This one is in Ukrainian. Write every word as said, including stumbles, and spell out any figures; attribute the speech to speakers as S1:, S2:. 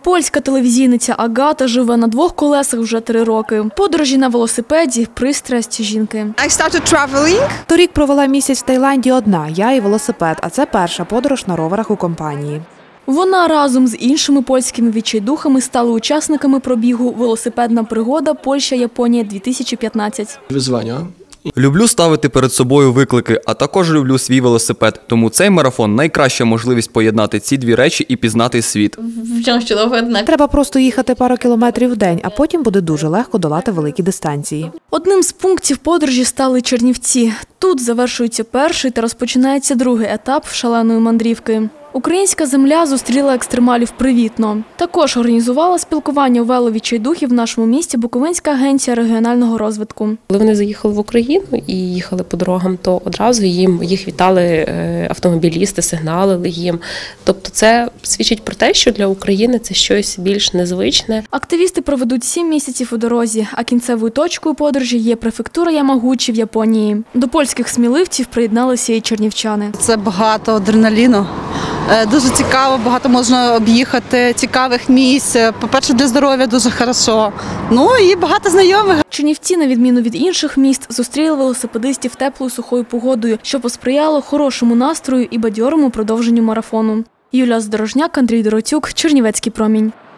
S1: Польська телевізійниця Агата живе на двох колесах вже три роки. Подорожі на велосипеді – пристрасть жінки.
S2: I started traveling.
S3: Торік провела місяць в Таїланді одна, я і велосипед, а це перша подорож на роверах у компанії.
S1: Вона разом з іншими польськими відчайдухами стали учасниками пробігу «Велосипедна пригода Польща-Японія-дві тисячі п'ятнадцять».
S4: Wyzwania.
S5: Люблю ставити перед собою виклики, а також люблю свій велосипед. Тому цей марафон – найкраща можливість поєднати ці дві речі і пізнати світ.
S3: Треба просто їхати пару кілометрів в день, а потім буде дуже легко долати великі дистанції.
S1: Одним з пунктів подорожі стали Чернівці. Тут завершується перший та розпочинається другий етап шаленої мандрівки. Українська земля зустріла екстремалів привітно. Також організувала спілкування веловідчайдухів в нашому місті Буковинська агенція регіонального розвитку.
S6: Коли вони заїхали в Україну і їхали по дорогам, то одразу їм їх вітали автомобілісти, сигналили їм. Тобто це свідчить про те, що для України це щось більш незвичне.
S1: Активісти проведуть сім місяців у дорозі, а кінцевою точкою подорожі є префектура Ямагучі в Японії. До польських сміливців приєдналися і чернівчани.
S2: Це багато адреналіну. Дуже цікаво, багато можна об'їхати, цікавих місць. По-перше, для здоров'я дуже хорошо. Ну і багато знайомих.
S1: Чернівці, на відміну від інших міст, зустріли велосипедистів теплою сухою погодою, що посприяло хорошому настрою і бадьорому продовженню марафону. Юлія Здорожняк, Андрій Доротюк, Чернівецький промінь.